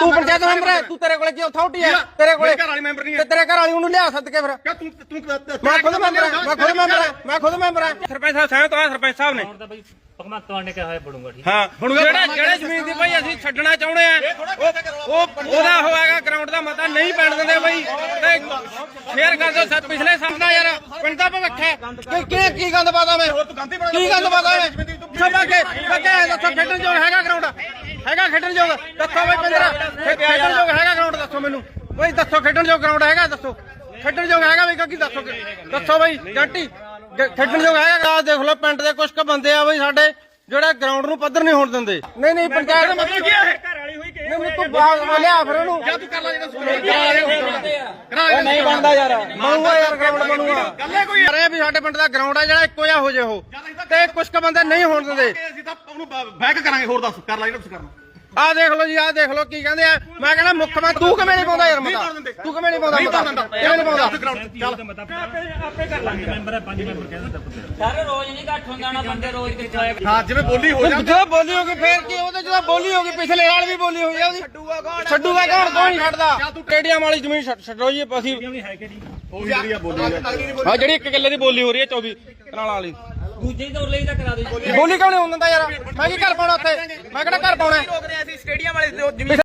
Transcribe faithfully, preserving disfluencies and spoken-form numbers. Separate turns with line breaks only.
ਤੂੰ ਪੰਚਾਇਤ ਮੈਂਬਰ ਹੈ, ਤੂੰ ਤੇਰੇ ਕੋਲੇ ਕੀ ਅਥਾਰਟੀ ਹੈ? ਤੇਰੇ ਕੋਲੇ
ਘਰ ਵਾਲੀ ਮੈਂਬਰ ਨਹੀਂ
ਤੇ ਤੇਰੇ ਘਰ ਵਾਲੀ ਉਹਨੂੰ ਲਿਆ ਸੱਦ ਕੇ ਫਿਰ।
ਤੂੰ ਤੂੰ
ਮੈਂ ਖੁਦ ਮੈਂਬਰ ਹਾਂ, ਮੈਂ ਖੁਦ ਮੈਂਬਰ ਹਾਂ, ਮੈਂ ਖੁਦ ਮੈਂਬਰ ਹਾਂ।
ਸਰਪੰਚ ਸਾਹਿਬ ਸਹਿਮਤ ਆ ਸਰਪੰਚ ਸਾਹਿਬ ਨੇ।
ਭਗਵੰਤ ਮਾਨ ਨੇ ਕਿਹਾ ਹੋਇਆ ਬੜੂਗਾ ਠੀਕ।
ਹਾਂ ਜਿਹੜਾ ਜਿਹੜੇ ਜ਼ਮੀਨ ਦੀ ਭਾਈ ਅਸੀਂ ਛੱਡਣਾ ਚਾਹੁੰਦੇ ਆ ਉਹ ਉਹਦਾ ਹੋਏਗਾ ਗਰਾਊਂਡ ਦਾ ਮਤਾ ਨਹੀਂ ਪੈਣ ਦਿੰਦੇ ਬਈ ਤੇ ਸ਼ੇਅਰ ਕਰ ਦਿਓ। ਪਿਛਲੇ ਸਾਲ ਦਾ ਯਾਰ ਪਿੰਡ ਦਾ ਭਵਿੱਖ ਹੈ ਕਿ ਕੀ ਕੀ ਗੰਦ ਪਾਦਾ ਮੈਂ ਕੀ ਗੰਦ ਪਾਦਾ ਮੈਂ ਸਭਾ ਕੇ ਬੱਚੇ ਦੱਸੋ ਖੇਡਣ ਯੋਗ ਹੈਗਾ ਗਰਾਊਂਡ ਹੈਗਾ ਖੇਡਣ ਯੋਗ ਦੱਸੋ ਬਈ ਪਿੰਦਰਾ ਖੇਡਣ ਯੋਗ ਹੈਗਾ ਗਰਾਊਂਡ ਦੱਸੋ ਮੈਨੂੰ ਬਈ ਦੱਸੋ ਖੇਡਣ ਯੋਗ ਗਰਾਊਂਡ ਹੈਗਾ ਦੱਸੋ ਖੇਡਣ ਯੋਗ ਹੈਗਾ ਬਈ ਕੀ ਦੱਸੋ ਦੱਸੋ ਬਈ ਜੰਟੀ ਖੇਡਣ ਯੋਗ ਹੈਗਾ। ਦੇਖ ਲਓ ਪਿੰਡ ਦੇ ਕੁਝ ਕੁ ਬੰਦੇ ਆ ਬਈ ਸਾਡੇ ਜਿਹੜਾ ਗਰਾਊਂਡ ਨੂੰ ਪੱਧਰ ਨਹੀਂ ਹੋਣ ਦਿੰਦੇ। ਨਹੀਂ ਨਹੀਂ ਪੰਚਾਇਤ ਦਾ ਮਤਲਬ ਕੀ ਹੈ?
ਘਰ ਵਾਲੀ ਹੋਈ ਕਿ
ਨਹੀਂ ਤੂੰ ਬਾਹਰ ਲਿਆ ਫਿਰ ਉਹਨੂੰ
ਜਾਂ ਤੂੰ ਕਰ ਲੈ ਜਿਹੜਾ
ਨਹੀਂ ਬਣਦਾ ਯਾਰ ਬਣੂਗਾ ਯਾਰ ਗਰਾਊਂਡ ਬਣੂਗਾ
ਗੱਲੇ ਕੋਈ
ਯਾਰ ਇਹ ਵੀ ਸਾਡੇ ਪਿੰਡ ਦਾ ਗਰਾਊਂਡ ਆ ਜਿਹੜਾ ਇੱਕੋ ਜਿਹਾ ਹੋ ਜੇ ਉਹ ਤੇ ਕੁਝ ਕੁ ਬੰਦੇ ਨਹੀਂ ਹੋਣ ਦਿੰਦੇ।
ਅਸੀਂ ਤਾਂ ਉਹਨੂੰ ਬੈਕ ਕਰਾਂਗੇ। ਹੋਰ ਦੱਸ ਕਰ ਲੈ ਜਿਹੜਾ ਤੁਸੀਂ ਕਰਨਾ।
ਆਹ ਦੇਖ ਲਓ ਜੀ ਆਹ ਦੇਖ ਲਓ ਕੀ ਕਹਿੰਦੇ ਆ। ਮੈਂ ਕਹਿੰਦਾ ਮੁੱਖ ਮੰਤਰੀ ਤੂੰ ਕਿਵੇਂ ਨਹੀਂ ਪਾਉਂਦਾ ਯਾਰ ਮਤਾ ਤੂੰ ਕਿਵੇਂ ਨਹੀਂ ਪਾਉਂਦਾ ਮਤਾ ਕਿਵੇਂ ਨਹੀਂ ਪਾਉਂਦਾ
ਆਪੇ ਕਰ ਲਾਂਗੇ ਮੈਂਬਰ ਹੈ ਪੰਜ ਮੈਂਬਰ ਕਹਿ ਦਿੰਦਾ ਸਰ ਰੋਜ਼ ਨਹੀਂ ਘੱਟ ਹੁੰਦਾ ਨਾ ਬੰਦੇ ਰੋਜ਼ ਕਿੱਥੇ ਆਏ।
ਹਾਂ ਜਿਵੇਂ ਬੋਲੀ ਹੋ ਜਾਂਦੀ
ਜਦੋਂ ਬੋਲੀ ਹੋ ਗਈ ਫੇਰ ਕੀ ਉਹਦੇ ਜਦੋਂ ਬੋਲੀ ਹੋ ਗਈ ਪਿਛਲੇ ਸਾਲ ਵੀ ਬੋਲੀ ਹੋਈ ਆ ਉਹਦੀ ਛੱਡੂਗਾ ਕੌਣ ਛੱਡੂਗਾ ਕੌਣ ਕੋਈ ਨਹੀਂ ਛੱਡਦਾ। ਸਟੇਡੀਅਮ ਵਾਲੀ ਜ਼ਮੀਨ ਛੱਡੋ ਜੀ ਅਸੀਂ
ਹੈ ਕਿ ਜੀ
ਉਹ ਜਿਹੜੀ ਆ ਬੋਲੀ
ਹਾਂ ਜਿਹੜੀ ਇੱਕ ਕਿੱਲੇ ਦੀ ਬੋਲੀ ਹੋ ਰਹੀ ਹੈ ਚੌਵੀ ਕਨਾਲਾਂ ਵਾਲੀ
ਦੂਜੇ ਦੌਰ ਲਈ ਤਾਂ ਕਰਾ ਦਿਓ।
ਬੋਲੀ ਕਿਉਂ ਨਹੀਂ ਹੋਣ ਦਿੰਦਾ ਯਾਰ? ਮੈਂ ਕੀ ਘਰ ਪਾਉਣਾ ਉੱਥੇ? ਮੈਂ ਕਿਹੜਾ ਘਰ ਪਾਉਣਾ?
ਅਸੀਂ ਸਟੇਡੀਅਮ ਵਾਲੇ